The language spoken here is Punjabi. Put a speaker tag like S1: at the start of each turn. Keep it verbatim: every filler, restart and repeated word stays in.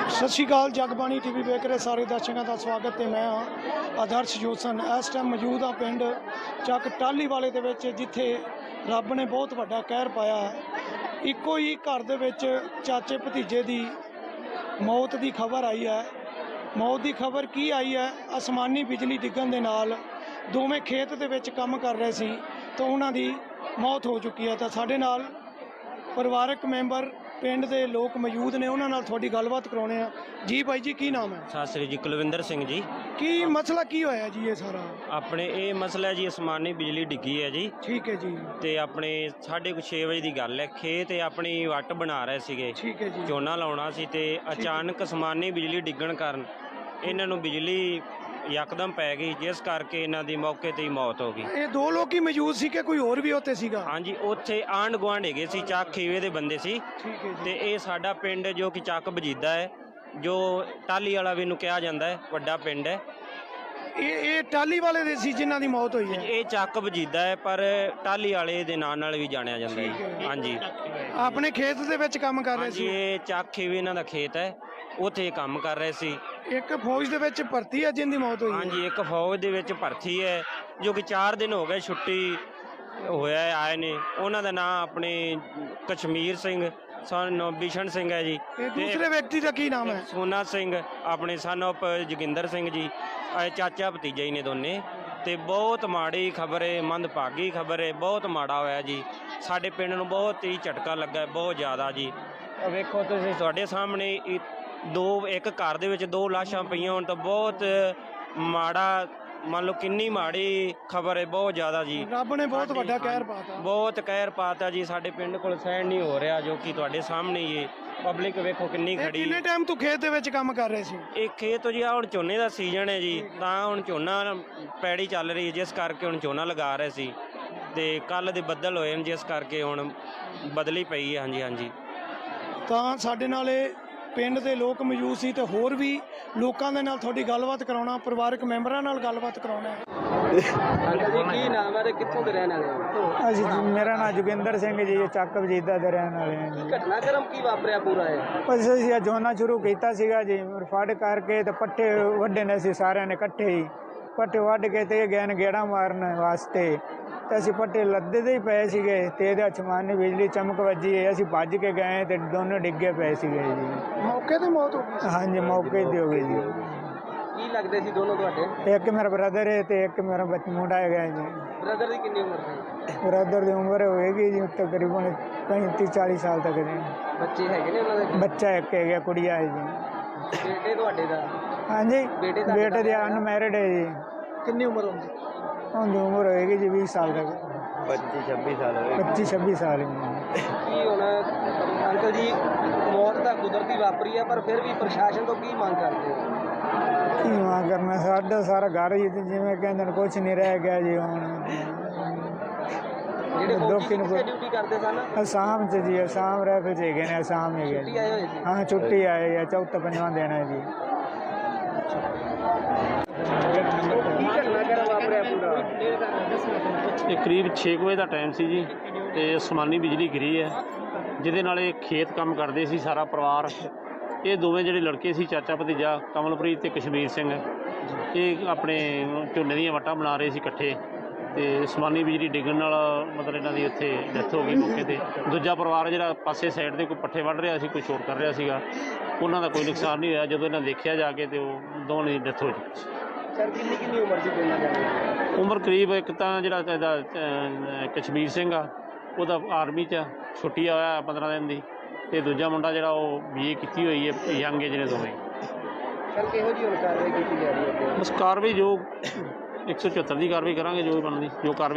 S1: सत श्री अकाल जगबाणी टीवी वेख रहे सारे दर्शकों का स्वागत है। मैं हाँ आदर्श जोसन। इस टाइम मौजूद हाँ पिंड ਚੱਕ टाली वाले दे विच जिथे रब ने बहुत वड्डा कहर पाया। इको ही घर दे विच चाचे भतीजे की मौत की खबर आई है। मौत की खबर की आई है, आसमानी बिजली डिगन दे नाल दोवें खेत दे विच काम कर रहे सी तो उन्हां दी मौत हो चुकी है। तो साडे नाल परिवारक मैंबर पिंड के लोग मौजूद ने, उन्होंने नाल थोड़ी गलबात कराने आ। जी भाई जी की नाम है?
S2: सत श्री जी कुलविंदर सिंह जी।
S1: की मसला की होया जी? ये सारा
S2: अपने ये मसला जी आसमानी बिजली डिग्गी है जी।
S1: ठीक है जी।
S2: ते अपने साढ़े कुछ छे बजे की गल है, खेत अपनी वट बना रहे सीगे,
S1: ठीक है जी।
S2: झोना लाउणा सी ते अचानक आसमानी बिजली डिग्गण कारण इन्हां नूं बिजली यकदम पै गई, जिस करके इन्हां दी मौके ते ही मौत हो गई।
S1: ये दो लोग ही मौजूद सी कि कोई और भी होते सीगा?
S2: हाँ जी, उत्थे आंढ गुआंढ हैगे सी, ਚੱਕ ਖੀਵੇ ਦੇ ਬੰਦੇ ਸੀ।
S1: ठीक है जी।
S2: ਤੇ ਇਹ ਸਾਡਾ ਪਿੰਡ ਜੋ ਕਿ ਚੱਕ ਬਜੀਦਾ ਹੈ, ਜੋ ਟਾਲੀ ਵਾਲਾ ਵੀ ਨੂੰ ਕਿਹਾ ਜਾਂਦਾ ਹੈ, ਵੱਡਾ ਪਿੰਡ ਹੈ।
S1: ये ये टाली वाले दे सी जिन्हां दी मौत हुई है?
S2: ਇਹ ਚੱਕ ਬਜੀਦਾ ਹੈ ਪਰ ਟਾਲੀ ਵਾਲੇ ਦੇ ਨਾਂ ਨਾਲ ਵੀ ਜਾਣਿਆ ਜਾਂਦਾ
S1: ਠੀਕ
S2: ਹੈ।
S1: ਹੈ।
S2: ਹਾਂਜੀ
S1: अपने खेत दे विच काम कर रहे
S2: ਹਾਂਜੀ,
S1: सी?
S2: ਇਹ ਚੱਕ ਖੀਵੇ ਇਹਨਾਂ ਦਾ ਖੇਤ ਹੈ, ਉੱਥੇ ਕੰਮ ਕਰ ਰਹੇ ਸੀ।
S1: एक फौज दे विच भर्ती है जिंदी मौत हुई है?
S2: ਹਾਂਜੀ, ਇੱਕ ਫੌਜ ਦੇ ਵਿੱਚ ਭਰਤੀ ਹੈ ਜੋ ਕਿ ਚਾਰ ਦਿਨ ਹੋ ਗਏ ਛੁੱਟੀ ਹੋਇਆ ਹੈ, ਆਏ ਨੇ। ਉਹਨਾਂ ਦਾ ਨਾਂ ਆਪਣੇ ਕਸ਼ਮੀਰ ਸਿੰਘ ਸਨ ਬਿਸ਼ਨ ਸਿੰਘ ਹੈ ਜੀ।
S1: ये दूसरे व्यक्ति का की नाम है?
S2: ਸੋਨਾ ਸਿੰਘ ਆਪਣੇ ਸਨ ਆਫ ਜੋਗਿੰਦਰ ਸਿੰਘ ਜੀ। ਇਹ ਚਾਚਾ ਭਤੀਜਾ ਹੀ ਨੇ ਦੋਨੇ। ਤੇ ਬਹੁਤ ਮਾੜੀ ਖਬਰ ਹੈ, ਮੰਦਭਾਗੀ ਖਬਰ ਹੈ, ਬਹੁਤ ਮਾੜਾ ਹੋਇਆ ਜੀ। ਸਾਡੇ ਪਿੰਡ ਨੂੰ ਬਹੁਤ ਹੀ ਝਟਕਾ ਲੱਗਾ ਹੈ, ਬਹੁਤ ਜ਼ਿਆਦਾ ਜੀ। ਆਹ ਵੇਖੋ ਤੁਸੀਂ, ਤੁਹਾਡੇ ਸਾਹਮਣੇ ਇਹ ਦੋ ਇੱਕ ਘਰ ਦੇ ਵਿੱਚ ਦੋ ਲਾਸ਼ਾਂ ਪਈਆਂ ਹੋਣ ਤਾਂ ਬਹੁਤ ਮਾੜਾ, ਮੰਨ ਲਓ ਕਿੰਨੀ ਮਾੜੀ ਖਬਰ ਹੈ, ਬਹੁਤ ਜ਼ਿਆਦਾ ਜੀ।
S1: रब ने बहुत वड्डा कहर पाता।
S2: ਬਹੁਤ ਕਹਿਰ ਪਾਤਾ ਜੀ। ਸਾਡੇ ਪਿੰਡ ਕੋਲ ਸਹਿਣ ਨਹੀਂ ਹੋ ਰਿਹਾ, ਜੋ ਕਿ ਤੁਹਾਡੇ ਸਾਹਮਣੇ ਹੀ ਹੈ। ਪਬਲਿਕ ਵੇਖੋ ਕਿੰਨੀ
S1: ਇਹ
S2: ਖੜੀ।
S1: ਕਿੰਨੇ ਟਾਈਮ ਤੋਂ ਖੇਤ ਦੇ ਵਿੱਚ ਕੰਮ ਕਰ ਰਹੇ ਸੀ?
S2: ਇਹ ਖੇਤ ਜੀ, ਆ ਹੁਣ ਝੋਨੇ ਦਾ ਸੀਜ਼ਨ ਹੈ ਜੀ, ਤਾਂ ਹੁਣ ਝੋਨਾ ਪੈੜੀ ਚੱਲ ਰਹੀ ਹੈ, ਜਿਸ ਕਰਕੇ ਹੁਣ ਝੋਨਾ ਲਗਾ ਰਹੇ ਸੀ। ਤੇ ਕੱਲ ਦੇ ਬੱਦਲ ਹੋਏ ਨੇ, ਜਿਸ ਕਰਕੇ ਹੁਣ ਬਦਲੀ ਪਈ ਹੈ। ਹਾਂਜੀ ਹਾਂਜੀ।
S1: ਤਾਂ ਸਾਡੇ ਨਾਲ ਇਹ ਪਿੰਡ ਦੇ ਲੋਕ ਮੌਜੂਦ ਸੀ ਤੇ ਹੋਰ ਵੀ ਲੋਕਾਂ ਦੇ ਨਾਲ ਤੁਹਾਡੀ ਗੱਲਬਾਤ ਕਰਾਉਣਾ, ਪਰਿਵਾਰਕ ਮੈਂਬਰਾਂ ਨਾਲ ਗੱਲਬਾਤ ਕਰਾਉਣਾ।
S2: ਅੰਕਲ ਜੀ ਕੀ ਨਾਮ ਹੈ ਤੇ ਕਿੱਥੋਂ ਦੇ ਰਹਿਣ ਵਾਲੇ ਹੋ?
S3: ਅਸੀਂ ਜੀ, ਮੇਰਾ ਨਾਮ ਜੋਗਿੰਦਰ ਸਿੰਘ ਜੀ, ਚੱਕ ਵਜੀਦਾ ਦੇ ਰਹਿਣ ਵਾਲੇ ਹਾਂ ਜੀ।
S2: ਘਟਨਾਕ੍ਰਮ ਕੀ ਵਾਪਰਿਆ ਪੂਰਾ ਹੈ?
S3: ਬਸ ਅਸੀਂ ਇਹ ਝੋਨਾ ਸ਼ੁਰੂ ਕੀਤਾ ਸੀਗਾ ਜੀ, ਫੜ ਕਰਕੇ ਤੇ ਪੱਠੇ ਵੱਢੇ ਨੇ ਸੀ ਸਾਰਿਆਂ ਨੇ ਇਕੱਠੇ ਹੀ। ਪੱਠੇ ਵੱਢ ਕੇ ਤੇ ਗਏ ਨੇ ਗੇੜਾ ਮਾਰਨ ਵਾਸਤੇ, ਤੇ ਅਸੀਂ ਪੱਠੇ ਲੱਦੇ ਦੇ ਹੀ ਪਏ ਸੀਗੇ ਤੇ ਇਹਦੇ ਅਚਮਾਨੀ ਬਿਜਲੀ ਚਮਕ ਵੱਜੀ ਹੈ। ਅਸੀਂ ਭੱਜ ਕੇ ਗਏ ਤੇ ਦੋਨੋਂ ਡਿੱਗੇ ਪਏ ਸੀਗੇ ਜੀ।
S1: ਮੌਕੇ ਤੇ ਮੌਤ ਹੋ ਗਈ?
S3: ਹਾਂਜੀ, ਮੌਕੇ ਤੇ ਹੋ ਗਈ ਜੀ।
S2: ਕੀ ਲੱਗਦੇ ਸੀ ਦੋਨੋਂ ਤੁਹਾਡੇ?
S3: ਇੱਕ ਮੇਰਾ ਬ੍ਰਦਰ ਹੈ ਤੇ ਇੱਕ ਮੇਰਾ ਬੱਚ ਮੁੰਡਾ ਹੈਗਾ ਜੀ।
S2: ਬ੍ਰਦਰ ਦੀ ਕਿੰਨੀ ਉਮਰ ਸੀ?
S3: ਬ੍ਰਦਰ ਦੀ ਉਮਰ ਹੋਏਗੀ ਜੀ ਤਕਰੀਬਨ ਪੈਂਤੀ ਚਾਲੀ ਸਾਲ ਤੱਕ ਦੇ।
S2: ਬੱਚੇ ਹੈਗੇ ਨੇ ਉਹਨਾਂ ਦੇ?
S3: ਬੱਚਾ ਇੱਕ ਹੈਗਾ, ਕੁੜੀਆ ਹੈ ਜੀ।
S2: ਬੇਟੇ ਤੁਹਾਡੇ ਦਾ?
S3: ਹਾਂਜੀ,
S2: ਬੇਟੇ ਦਾ
S3: ਬੇਟੇ ਦੀ ਅਨਮੈਰਿਡ ਹੈ ਜੀ।
S1: ਕਿੰਨੀ ਉਮਰ ਹੁੰਦੀ?
S3: ਉਹਦੀ ਉਮਰ ਹੋਏਗੀ ਜੀ ਵੀਹ ਸਾਲ ਤੱਕ,
S2: ਪੱਚੀ ਛੱਬੀ ਸਾਲ ਹੋਏ।
S3: ਪੱਚੀ ਛੱਬੀ ਸਾਲ ਦੀ।
S2: ਕੀ ਹੁਣ ਅੰਕਲ ਜੀ, ਮੌਤ ਤਾਂ ਕੁਦਰਤੀ ਵਾਪਰੀ ਹੈ, ਪਰ ਫਿਰ ਵੀ ਪ੍ਰਸ਼ਾਸਨ ਤੋਂ ਕੀ ਮੰਗ ਕਰਦੇ ਹੋ?
S3: ਕੀ ਮੰਗ ਕਰਨਾ, ਸਾਡਾ ਸਾਰਾ ਘਰ ਹੀ ਤੇ ਜਿਵੇਂ ਕਹਿੰਦੇ ਨੇ ਕੁਛ ਨਹੀਂ ਰਹਿ ਗਿਆ ਜੀ ਹੁਣ।
S2: ਜਿਹੜੇ
S3: ਦੁੱਖ
S2: ਫੌਜੀ
S3: ਨੂੰ
S2: ਕਿੱਥੇ ਡਿਊਟੀ ਕਰਦੇ ਸਨ?
S3: ਅਸਾਮ 'ਚ ਜੀ, ਅਸਾਮ ਰਹਿ ਫਿਰ ਹੈਗੇ ਨੇ, ਅਸਾਮ ਹੈਗੇ
S2: ਛੁੱਟੀ
S3: ਜੀ।
S2: ਆਏ ਹੋਏ ਸੀ?
S3: ਹਾਂ, ਛੁੱਟੀ ਆਏ ਆ, ਚੌਥਾ ਪੰਜਵਾਂ ਦਿਨ ਹੈ ਜੀ।
S2: ਕੀ ਘਟਨਾਕ੍ਰਮ ਵਾਪਰਿਆ ਪੂਰਾ?
S4: ਇਹ ਕਰੀਬ ਛੇ ਕੁ ਵਜੇ ਦਾ ਟਾਈਮ ਸੀ ਜੀ, ਤੇ ਅਸਮਾਨੀ ਬਿਜਲੀ ਗਿਰੀ ਹੈ, ਜਿਹਦੇ ਨਾਲ ਇਹ ਖੇਤ ਕੰਮ ਕਰਦੇ ਸੀ ਸਾਰਾ ਪਰਿਵਾਰ। ਇਹ ਦੋਵੇਂ ਜਿਹੜੇ ਲੜਕੇ ਸੀ, ਚਾਚਾ ਭਤੀਜਾ, ਕਮਲਪ੍ਰੀਤ ਤੇ ਕਸ਼ਮੀਰ ਸਿੰਘ, ਇਹ ਆਪਣੇ ਝੋਨੇ ਦੀਆਂ ਵੱਟਾਂ ਬਣਾ ਰਹੇ ਸੀ ਇਕੱਠੇ। ਤੇ ਅਸਮਾਨੀ ਬਿਜਲੀ ਡਿੱਗਣ ਨਾਲ ਮਤਲਬ ਇਹਨਾਂ ਦੀ ਉੱਥੇ ਡੈਥ ਹੋ ਗਈ ਮੌਕੇ 'ਤੇ। ਦੂਜਾ ਪਰਿਵਾਰ ਜਿਹੜਾ ਪਾਸੇ ਸਾਈਡ 'ਤੇ ਕੋਈ ਪੱਠੇ ਵੱਢ ਰਿਹਾ ਸੀ, ਕੋਈ ਸ਼ੋਰ ਕਰ ਰਿਹਾ ਸੀਗਾ, ਉਹਨਾਂ ਦਾ ਕੋਈ ਨੁਕਸਾਨ ਨਹੀਂ ਹੋਇਆ। ਜਦੋਂ ਇਹਨਾਂ ਦੇਖਿਆ ਜਾ ਕੇ ਤੇ ਉਹ ਦੋਵਾਂ ਦੀ ਡੈਥ ਹੋ ਚੁੱਕੀ ਸੀ।
S2: ਸਰ ਕਿੰਨੀ ਕਿੰਨੀ ਉਮਰ ਸੀ ਦੋਨਾਂ ਦੀ?
S4: ਉਮਰ ਕਰੀਬ, ਇੱਕ ਤਾਂ ਜਿਹੜਾ ਇਹਦਾ ਅ, ਕਸ਼ਮੀਰ ਸਿੰਘ ਆ, ਉਹਦਾ ਆਰਮੀ 'ਚ ਛੁੱਟੀ ਹੋਇਆ ਪੰਦਰਾਂ ਦਿਨ ਦੀ, ਤੇ ਦੂਜਾ ਮੁੰਡਾ ਜਿਹੜਾ ਉਹ ਬੀ ਏ ਕੀਤੀ ਹੋਈ ਹੈ, ਯੰਗ ਏਜ ਨੇ ਦੋਵੇਂ।
S2: ਸਰ ਕਿਹੋ ਜਿਹੀ ਹੁਣ ਕਾਰਵਾਈ ਕੀਤੀ ਜਾ ਰਹੀ ਹੈ?
S4: ਬਸ ਕਾਰਵਾਈ ਜੋ ਇੱਕ ਸੌ ਚੁਹੱਤਰ ਦੀ ਕਾਰਵਾਈ ਕਰਾਂਗੇ, ਜੋ ਵੀ ਬਣਦੀ ਜੋ ਕਾਰਵਾਈ